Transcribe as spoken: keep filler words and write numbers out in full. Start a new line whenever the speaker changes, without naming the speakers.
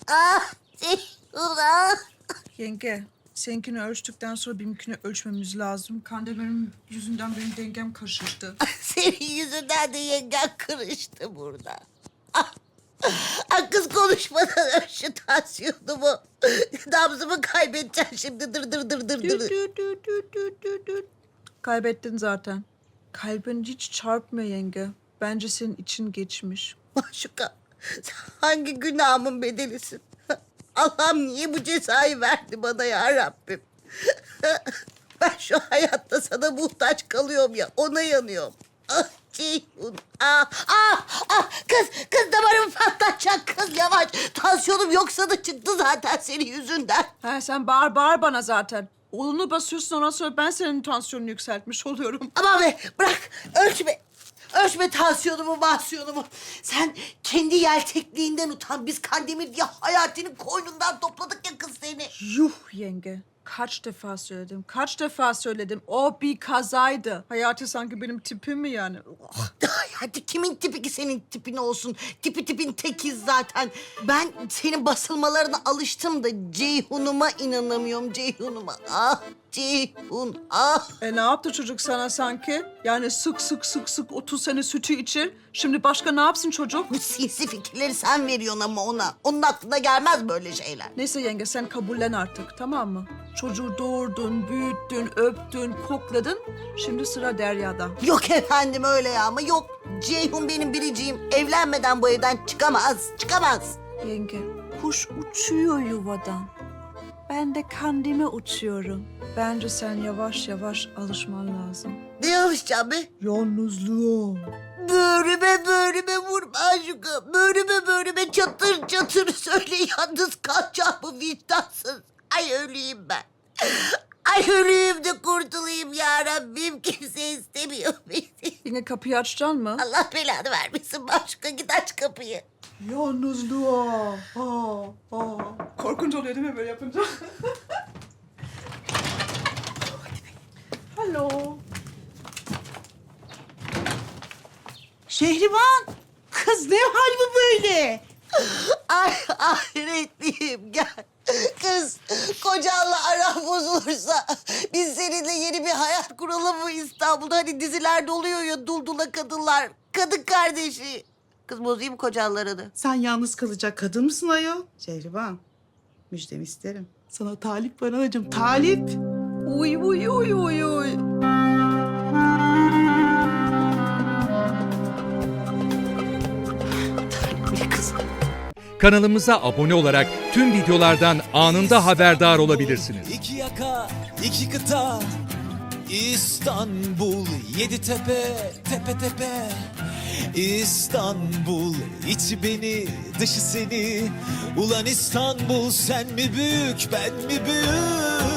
Ah Ceyhun ah.
Yenge, seninkini ölçtükten sonra benimkini ölçmemiz lazım. Kandemir'in yüzünden benim dengem karıştı.
Senin yüzünden de yengen kırıştı burada. Ah, ah kız konuşmadan öl şu tansiyonumu. Nabzımı kaybedeceğim şimdi dır dır dır dır
Dü,
dır.
dü, dü, dü, dü, dü, dü. Kaybettin zaten. Kalbin hiç çarpmıyor yenge. Bence senin için geçmiş.
Maşuka sen hangi günahımın bedelisin? Allah'ım niye bu cezayı verdi bana ya Rabbim? Ben şu hayatta sana muhtaç kalıyorum ya, ona yanıyorum. Ah Ceyhun, ah, ah, ah, kız, kız damarımı patlatacak kız yavaş. Tansiyonum yoksa da çıktı zaten senin yüzünden.
Ha, sen bağır bağır bana zaten. Oğlunu basıyorsun, ondan sonra ben senin tansiyonunu yükseltmiş oluyorum.
Aman be, bırak, ölçme. Ölçme tansiyonumu, mahsiyonumu. Sen kendi yeltekliğinden utan. Biz Kandemir diye Hayati'nin koynundan topladık ya kız seni.
Yuh yenge. Kaç defa söyledim, kaç defa söyledim. O bir kazaydı. Hayati sanki benim tipim mi yani?
Hadi kimin tipi ki senin tipin olsun? Tipi tipin tekiz zaten. Ben senin basılmalarına alıştım da Ceyhun'uma inanamıyorum, Ceyhun'uma. Ah Ceyhun, ah.
E ne yaptı çocuk sana sanki? Yani sık sık sık sık otuz sene sütü içir. Şimdi başka ne yapsın çocuk?
Bu sinsi fikirleri sen veriyorsun ama ona. Onun aklına gelmez böyle şeyler.
Neyse yenge, sen kabullen artık, tamam mı? Çocuğu doğurdun, büyüttün, öptün, kokladın. Şimdi sıra Derya'da.
Yok efendim öyle ya ama yok. Ceyhun benim biriciğim. Evlenmeden bu evden çıkamaz, çıkamaz.
Yenge, kuş uçuyor yuvadan. Ben de Kandemir uçuyorum. Bence sen yavaş yavaş alışman lazım.
Ne yapacağım be?
Yalnızlığa.
Böğrüme böğrüme vurma aşkım. Böğrüme böğrüme çatır çatır söyle yalnız kalacağımı vicdansız. Ay öleyim ben. Ay öleyim de kurtulayım ya Rabbim. Kimse istemiyor beni.
Yine kapıyı açacaksın mı?
Allah belanı vermesin başka. Git aç kapıyı.
Yalnızlığa. Ha, ha. Korkunç oluyor değil mi böyle yapınca? Hello.
Şehriban, kız ne hal bu böyle?
Ay ahiretliyim gel. Kız kocanla aran bozulursa biz seninle yeni bir hayat kuralım mı İstanbul'da? Hani dizilerde oluyor ya duldula kadınlar. Kadın kardeşi. Kız bozayım mı kocanla aranı?
Sen yalnız kalacak kadın mısın ayol? Şehriban, müjdemi isterim. Sana talip var anacığım, talip.
Uy uy uy uy uy.
Bir kız.
Kanalımıza abone olarak tüm videolardan anında haberdar olabilirsiniz.
İki yaka, iki kıta, İstanbul, yedi tepe, tepe tepe. İstanbul, içi beni, dışı seni. Ulan İstanbul, sen mi büyük, ben mi büyük?